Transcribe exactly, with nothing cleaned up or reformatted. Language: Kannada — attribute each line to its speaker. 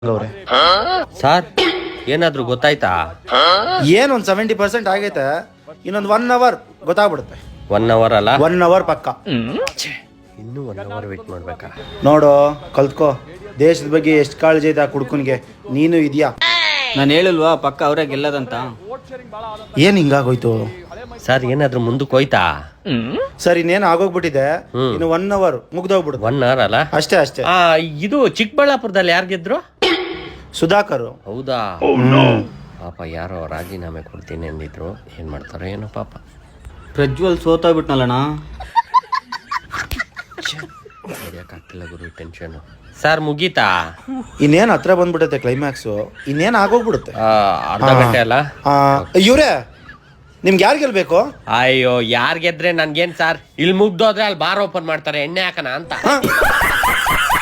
Speaker 1: ಸರ್ ಏನಾದ್ರು ಗೊತ್ತಾಯ್ತಾ?
Speaker 2: ಏನ್ ಒಂದ್ ಸೆವೆಂಟಿ ಪರ್ಸೆಂಟ್ ಆಗೈತೆ, ಇನ್ನೊಂದ್ ಒನ್ ಅವರ್ ಗೊತ್ತಾಗ್ಬಿಡುತ್ತೆ.
Speaker 1: ಒನ್ ಅವರ್ ಅಲ್ಲ,
Speaker 2: ಒನ್ ಅವರ್ ಪಕ್ಕ.
Speaker 1: ಇನ್ನೂ ಒನ್ ಅವರ್ ವೇಟ್ ಮಾಡ್ಬೇಕಾ?
Speaker 2: ನೋಡು, ಕಲ್ತ್ಕೋ. ದೇಶದ ಬಗ್ಗೆ ಎಷ್ಟು ಕಾಳಜಿ ಐತೆ ಆ ಕುಡ್ಕನ್ಗೆ. ನೀನು ಇದೆಯಾ?
Speaker 3: ನಾನು ಹೇಳಿಲ್ವಾ ಪಕ್ಕ ಅವರೇ ಗೆಲ್ಲದಂತ.
Speaker 2: ಏನ್ ಹಿಂಗಾಗೋಯ್ತು?
Speaker 1: ಸರ್ ಏನಾದ್ರು ಮುಂದಕ್ಕೆ ಹೋಯ್ತಾ?
Speaker 2: ಸರ್ ಇನ್ನೇನು ಆಗೋಗ್ಬಿಟ್ಟಿದೆ. ಇನ್ನು ಒನ್ ಅವರ್ ಮುಗ್ದೋಗ್ಬಿಡುತ್ತೆ.
Speaker 1: ಒನ್ ಅವರ್ ಅಲ್ಲ,
Speaker 2: ಅಷ್ಟೇ ಅಷ್ಟೇ.
Speaker 1: ಆ ಇದು ಚಿಕ್ಕಬಳ್ಳಾಪುರದಲ್ಲಿ ಯಾರು ಗೆದ್ರು?
Speaker 2: ಸುಧಾಕರ್.
Speaker 1: ಹೌದಾ? ಪಾಪ ಯಾರೋ ರಾಜೀನಾಮೆ ಕೊಡ್ತೀನಿ ಅಂದಿದ್ರು, ಏನ್ ಮಾಡ್ತಾರೋ ಏನೋ ಪಾಪ.
Speaker 3: ಪ್ರಜ್ವಲ್ ಸೋತೋಗ್ಬಿಟ್ನಲ್ಲಣ್ಣ.
Speaker 1: ಆಗ್ತಿಲ್ಲ ಗುರು, ಟೆನ್ಷನ್. ಸರ್ ಮುಗೀತಾ?
Speaker 2: ಇನ್ನೇನ್ ಹತ್ರ ಬಂದ್ಬಿಡುತ್ತೆ ಕ್ಲೈಮ್ಯಾಕ್ಸು. ಇನ್ನೇನ್ ಆಗೋಗ್ಬಿಡುತ್ತೆ.
Speaker 1: ಆ, ಅರ್ಧ ಗಂಟೆ ಅಲ್ಲ.
Speaker 2: ಇವ್ರೆ, ನಿಮ್ಗೆ ಯಾರು ಗೆಲ್ಬೇಕು?
Speaker 1: ಅಯ್ಯೋ, ಯಾರ್ ಗೆದ್ರೆ ನನ್ಗೇನ್ ಸರ್, ಇಲ್ಲಿ ಮುಗ್ದೋದ್ರೆ ಅಲ್ಲಿ ಬಾರ್ ಓಪನ್ ಮಾಡ್ತಾರೆ ಎಣ್ಣೆ ಹಾಕನ ಅಂತ.